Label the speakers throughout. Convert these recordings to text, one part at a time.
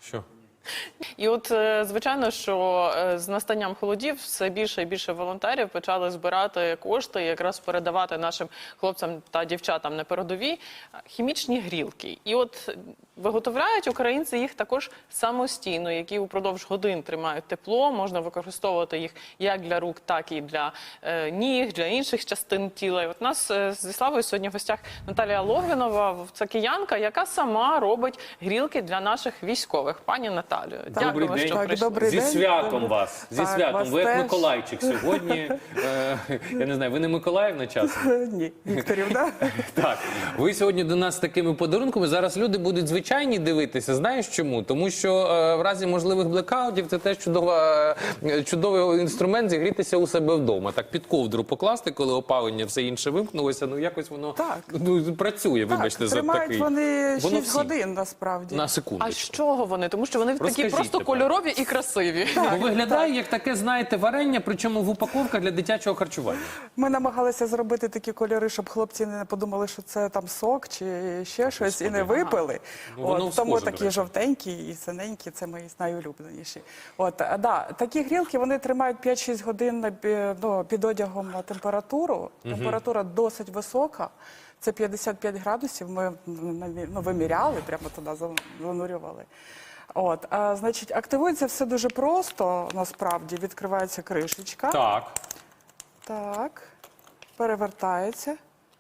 Speaker 1: Що?
Speaker 2: І от, звичайно, що з настанням холодів все більше і більше волонтерів почали збирати кошти і якраз передавати нашим хлопцям та дівчатам на передовій хімічні грілки. І от виготовляють українці їх також самостійно, які упродовж годин тримають тепло, можна використовувати їх як для рук, так і для ніг, для інших частин тіла. І от у нас зі Славою сьогодні в гостях Наталія Логвинова, це киянка, яка сама робить грілки для наших військових. Пані Наталію, дякую, що прийшли.
Speaker 1: Зі святом вас. Зі святом. Ви як Миколайчик сьогодні. Я не знаю, ви не Миколаївна часом?
Speaker 3: Ні, Вікторівна.
Speaker 1: Так. Ви сьогодні до нас з такими подарунками. Зараз люди будуть звичайні дивитися. Знаєш чому? Тому що в разі можливих блекаутів це теж чудовий інструмент зігрітися у себе вдома. Так, під ковдру покласти, коли опалення, все інше вимкнулося. Ну, якось воно працює, вибачте, за такий.
Speaker 3: Тримають вони 6 годин, насправді.
Speaker 1: На секунду.
Speaker 2: А з чого вони? Тому що вони такі
Speaker 1: Розкажіть
Speaker 2: просто
Speaker 1: тепер.
Speaker 2: кольорові і красиві.
Speaker 1: Бо виглядає як таке, знаєте, варення, причому в упаковках для дитячого харчування.
Speaker 3: Ми намагалися зробити такі кольори, щоб хлопці не подумали, що це там сок чи ще щось, і не випили.
Speaker 1: Ну, воно
Speaker 3: Тому
Speaker 1: схоже, до
Speaker 3: такі
Speaker 1: речі.
Speaker 3: жовтенькі і синенькі, це мої найулюбленіші. Такі грілки, вони тримають 5-6 годин під одягом на температуру. Температура досить висока. Це 55 градусів, ми виміряли, прямо туди занурювали. Значить, активується все дуже просто, насправді. Відкривається кришечка.
Speaker 1: Так.
Speaker 3: Так. Перевертається.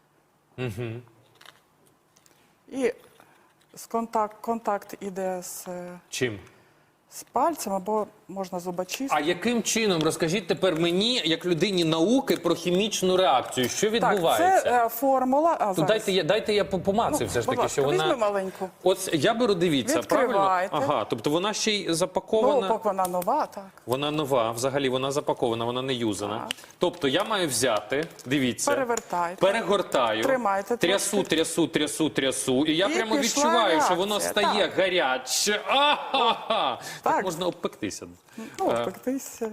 Speaker 3: І контакт іде
Speaker 1: Чим?
Speaker 3: з пальцем або можна зубочисткою.
Speaker 1: А яким чином, розкажіть тепер мені, як людині науки, про хімічну реакцію? Що відбувається?
Speaker 3: Так, це формула.
Speaker 1: То дайте я помацаю все ж таки, що
Speaker 3: візьми
Speaker 1: вона...
Speaker 3: маленьку.
Speaker 1: От я беру, дивіться, правильно?
Speaker 3: Відкривайте.
Speaker 1: Ага, тобто вона ще й запакована.
Speaker 3: Поки вона нова, так.
Speaker 1: Вона нова, взагалі вона запакована, вона не юзана.
Speaker 3: Так.
Speaker 1: Тобто я маю взяти, дивіться,
Speaker 3: Перевертайте.
Speaker 1: перегортаю,
Speaker 3: Тримайте
Speaker 1: трясу, і я
Speaker 3: І
Speaker 1: прямо
Speaker 3: пішла
Speaker 1: відчуваю, що воно
Speaker 3: реакція,
Speaker 1: стає
Speaker 3: так.
Speaker 1: гаряче. Так
Speaker 3: Так.
Speaker 1: можна обпектися.
Speaker 3: Пектися.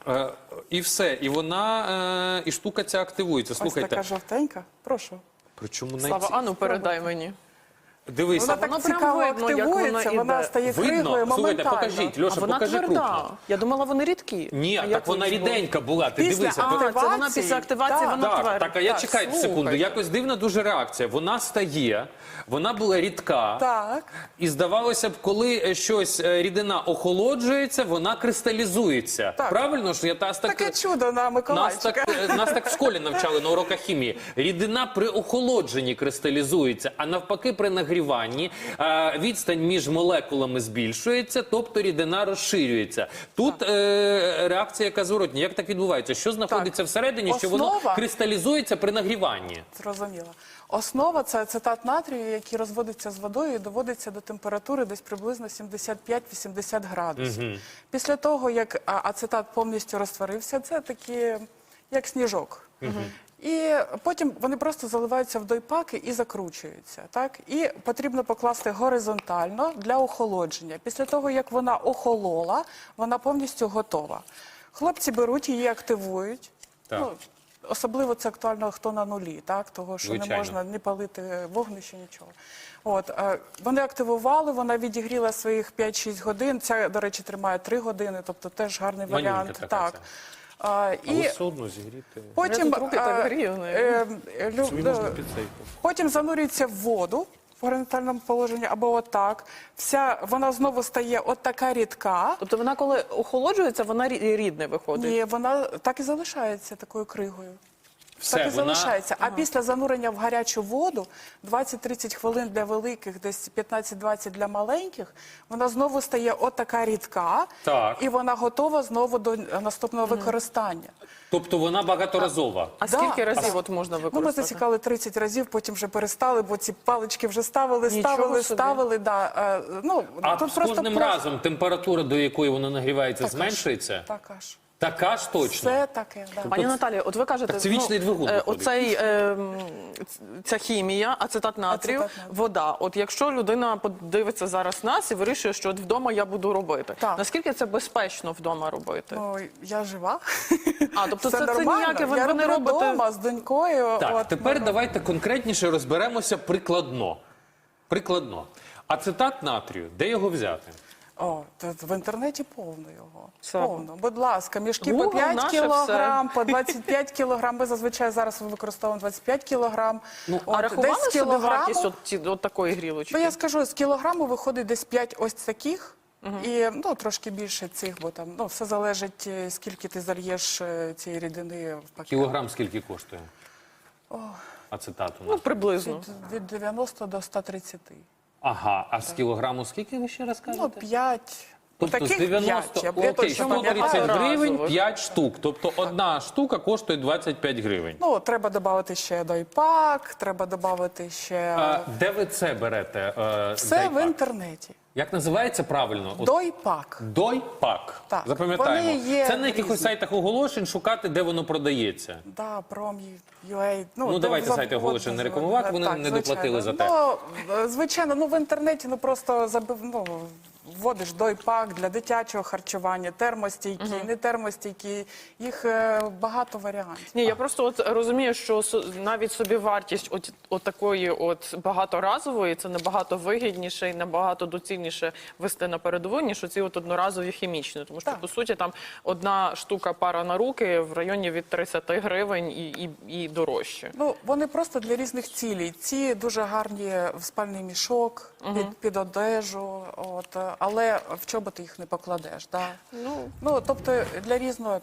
Speaker 1: І все, і вона, і штука ця активується.
Speaker 3: Ось
Speaker 1: Слухайте,
Speaker 3: така жовтенька. Прошу.
Speaker 1: причому
Speaker 2: Слава, ану, передай мені.
Speaker 1: Дивися,
Speaker 3: Вона
Speaker 2: воно
Speaker 3: так
Speaker 2: прям
Speaker 3: цікаво
Speaker 2: видно, як
Speaker 3: активується,
Speaker 2: вона
Speaker 3: вона
Speaker 2: йде.
Speaker 3: стає круглою
Speaker 1: видно? Слухайте,
Speaker 3: моментально.
Speaker 1: покажіть,
Speaker 2: А
Speaker 1: Льоша,
Speaker 2: вона
Speaker 1: покажи
Speaker 2: тверда.
Speaker 1: крупно.
Speaker 2: Я думала, вони рідкі.
Speaker 1: Ні,
Speaker 2: А
Speaker 1: так
Speaker 2: як
Speaker 1: вона
Speaker 2: ви ж
Speaker 1: ріденька була, ти
Speaker 3: Після
Speaker 1: дивися.
Speaker 2: А, це вона після активації,
Speaker 3: Так.
Speaker 2: вона тверда.
Speaker 1: Так, а я чекаю секунду,
Speaker 2: слухайте.
Speaker 1: якось дивна дуже реакція. Вона стає, вона була рідка.
Speaker 3: Так.
Speaker 1: І здавалося б, коли щось рідина охолоджується, вона кристалізується.
Speaker 3: Так.
Speaker 1: Правильно ж?
Speaker 3: Таке чудо на Миколайчика.
Speaker 1: Нас так в школі навчали на уроках хімії. Рідина при охолодженні кристалізується, а навпаки при нагріванні відстань між молекулами збільшується, тобто рідина розширюється. Тут реакція яка зворотня. Як так відбувається? Що знаходиться всередині, що воно
Speaker 3: Основа-
Speaker 1: кристалізується при нагріванні?
Speaker 3: Зрозуміло. Основа – це ацетат натрію, який розводиться з водою і доводиться до температури десь приблизно 75-80 градусів. Після того, як ацетат повністю розтворився, це такі, як сніжок. І потім вони просто заливаються в дойпаки і закручуються. Так? І потрібно покласти горизонтально для охолодження. Після того, як вона охолола, вона повністю готова. Хлопці беруть її, активують.
Speaker 1: Так.
Speaker 3: Особливо це актуально, хто на нулі, так? Того, що
Speaker 1: Звичайно.
Speaker 3: не можна ні палити вогнище, нічого. Вони активували, вона відігріла своїх 5-6 годин. Ця, до речі, тримає 3 години, тобто теж гарний
Speaker 1: Манюнька
Speaker 3: варіант.
Speaker 1: така
Speaker 3: Так.
Speaker 1: ця.
Speaker 3: І
Speaker 1: Але все одно зігріти.
Speaker 3: потім,
Speaker 2: Руки так грію,
Speaker 1: Собі можна під цей.
Speaker 3: потім занурюється в воду в горизонтальному положенні або отак. Вона знову стає от така рідка.
Speaker 2: Тобто вона, коли охолоджується, вона рідне виходить.
Speaker 3: Ні, вона так і залишається такою кригою.
Speaker 1: Все,
Speaker 3: Так і
Speaker 1: вона...
Speaker 3: залишається. А після занурення в гарячу воду 20-30 хвилин для великих, десь 15-20 для маленьких, вона знову стає от така рідка,
Speaker 1: Так.
Speaker 3: і вона готова знову до наступного використання.
Speaker 1: Тобто вона багаторазова.
Speaker 2: А
Speaker 3: Да.
Speaker 2: скільки разів от можна
Speaker 3: Ми
Speaker 2: використати?
Speaker 3: засікали 30 разів, потім вже перестали, бо ці палички вже ставили. Да.
Speaker 1: А
Speaker 3: тут
Speaker 1: з
Speaker 3: просто
Speaker 1: кожним разом температура, до якої воно нагрівається, зменшується?
Speaker 3: Така ж.
Speaker 1: Така ж точно?
Speaker 3: Все таке, да.
Speaker 2: Пані Наталія, от ви кажете,
Speaker 1: Так це вічний двигун виходить.
Speaker 2: ця хімія, ацетат натрію,
Speaker 3: Ацетат натрію.
Speaker 2: вода. От якщо людина подивиться зараз нас і вирішує, що от вдома я буду робити,
Speaker 3: Так.
Speaker 2: наскільки це безпечно вдома робити?
Speaker 3: Ну, я жива.
Speaker 2: А, тобто
Speaker 3: Все
Speaker 2: це
Speaker 3: нормально.
Speaker 2: ніяке, ви
Speaker 3: Я
Speaker 2: не
Speaker 3: роблю
Speaker 2: робите...
Speaker 3: вдома з донькою.
Speaker 1: Так, тепер давайте конкретніше розберемося прикладно. Прикладно. Ацетат натрію, де його взяти?
Speaker 3: О, в інтернеті повно його.
Speaker 2: Слава.
Speaker 3: Повно. Будь ласка, мішки по
Speaker 2: Google
Speaker 3: 5
Speaker 2: наше
Speaker 3: кілограм, по 25 кілограм. Ми зазвичай зараз використовуємо 25 кілограм.
Speaker 2: А рахували
Speaker 3: десь з
Speaker 2: собі вартість
Speaker 3: кілограму,
Speaker 2: от такої грілочки?
Speaker 3: я скажу, з кілограму виходить десь 5 ось таких. І трошки більше цих, бо там все залежить, скільки ти зальєш цієї рідини в пакет.
Speaker 1: Кілограм скільки коштує? Ацетату.
Speaker 2: Ну, приблизно.
Speaker 3: Від 90 до 130.
Speaker 1: Ага, а з кілограму скільки ви ще раз кажете?
Speaker 3: 5.
Speaker 1: Тобто з
Speaker 3: Таких
Speaker 1: 90,
Speaker 3: 5. Я
Speaker 1: окей,
Speaker 3: точно
Speaker 1: 130
Speaker 3: пам'ятаю.
Speaker 1: гривень,
Speaker 2: Разових.
Speaker 1: 5 штук. Тобто одна штука коштує 25 гривень.
Speaker 3: Треба додати ще дойпак, треба додати ще...
Speaker 1: Де ви це берете?
Speaker 3: Все
Speaker 1: дайпак?
Speaker 3: в інтернеті.
Speaker 1: Як називається правильно? От
Speaker 3: Дойпак.
Speaker 1: Дойпак.
Speaker 3: Так.
Speaker 1: Запам'ятаємо.
Speaker 3: Вони є
Speaker 1: Це на якихось
Speaker 3: різні.
Speaker 1: сайтах оголошень шукати, де воно продається.
Speaker 3: Да, Prom.ua.
Speaker 1: Ну, давайте сайти оголошень не рекламувати, вони не доплатили за те.
Speaker 3: Звичайно, в інтернеті просто вводиш дойпак для дитячого харчування, термостійкі, не термостійкі, їх багато варіантів.
Speaker 2: Ні, я просто от розумію, що навіть собівартість от такої от багаторазової це набагато вигідніше і набагато доцільніше вести на передову, ніж оці от одноразові хімічні. Тому що,
Speaker 3: Так.
Speaker 2: по суті, там одна штука пара на руки в районі від 30 гривень і дорожче.
Speaker 3: Вони просто для різних цілей. Ці дуже гарні в спальний мішок, під одежу, але в чоботи їх не покладеш. Да? Тобто для різного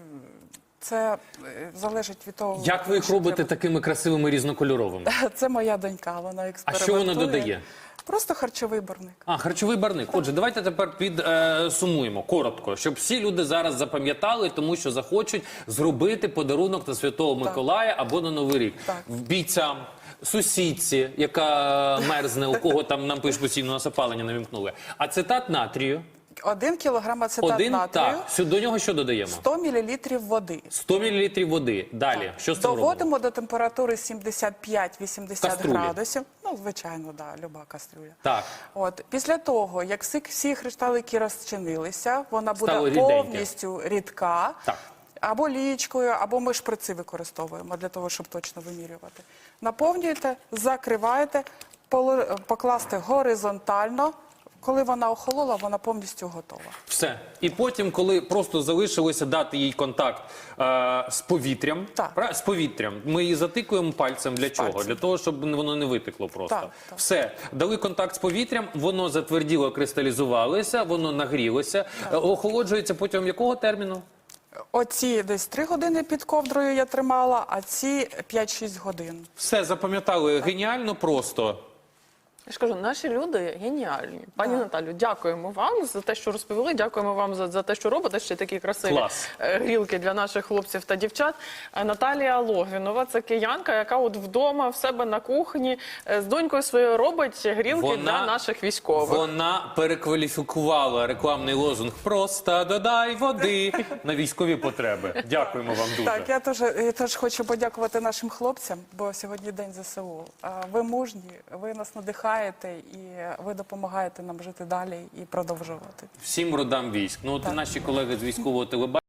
Speaker 3: це залежить від того.
Speaker 1: Як ви їх
Speaker 3: що
Speaker 1: робите
Speaker 3: треба.
Speaker 1: такими красивими різнокольоровими?
Speaker 3: Це моя донька, вона
Speaker 1: А
Speaker 3: експериментує.
Speaker 1: що вона додає?
Speaker 3: Просто харчовий барник.
Speaker 1: Харчовий барник. Отже, давайте тепер підсумуємо коротко, щоб всі люди зараз запам'ятали, тому що захочуть зробити подарунок на Святого Миколая або на Новий рік.
Speaker 3: Так.
Speaker 1: Бійцям, сусідці, яка мерзне, у кого там нам пишуть постійно нас опалення не вимкнули. Ацетат натрію.
Speaker 3: 1 кілограм ацетат натрію,
Speaker 1: До нього що додаємо?
Speaker 3: 100 мл води.
Speaker 1: 100 мл води. Далі. Що з цим робимо?
Speaker 3: Доводимо до температури 75-80
Speaker 1: Каструлі.
Speaker 3: градусів. Звичайно, люба кастрюля.
Speaker 1: Так.
Speaker 3: Після того, як всі кришталики розчинилися, вона буде
Speaker 1: Стало ріденьке.
Speaker 3: повністю рідка.
Speaker 1: Так.
Speaker 3: Або лієчкою, або ми шприци використовуємо для того, щоб точно вимірювати. Наповнюєте, закриваєте, покласти горизонтально. Коли вона охолола, вона повністю готова.
Speaker 1: Все. І потім, коли просто залишилося дати їй контакт з повітрям,
Speaker 3: Так.
Speaker 1: з повітрям, ми її затикуємо пальцем. Для чого?
Speaker 3: пальцем.
Speaker 1: Для того, щоб воно не витекло просто.
Speaker 3: Так, так.
Speaker 1: Все. Дали контакт з повітрям, воно затверділо, кристалізувалося, воно нагрілося. Охолоджується протягом якого терміну?
Speaker 3: Оці десь 3 години під ковдрою я тримала, а ці 5-6 годин.
Speaker 1: Все, запам'ятали. Геніально просто.
Speaker 2: Я ж кажу, наші люди геніальні. Пані Наталю, дякуємо вам за те, що розповіли. Дякуємо вам за те, що робите ще такі красиві
Speaker 1: Клас.
Speaker 2: грілки для наших хлопців та дівчат. Наталія Логвінова – це киянка, яка от вдома в себе на кухні з донькою своєю робить грілки для наших військових.
Speaker 1: Вона перекваліфікувала рекламний лозунг «Просто додай води» на військові потреби. Дякуємо вам дуже.
Speaker 3: Так, я теж хочу подякувати нашим хлопцям, бо сьогодні День ЗСУ. Ви мужні, ви нас надихаєте і ви допомагаєте нам жити далі і продовжувати.
Speaker 1: Всім родам військ. Наші колеги з військового телебачення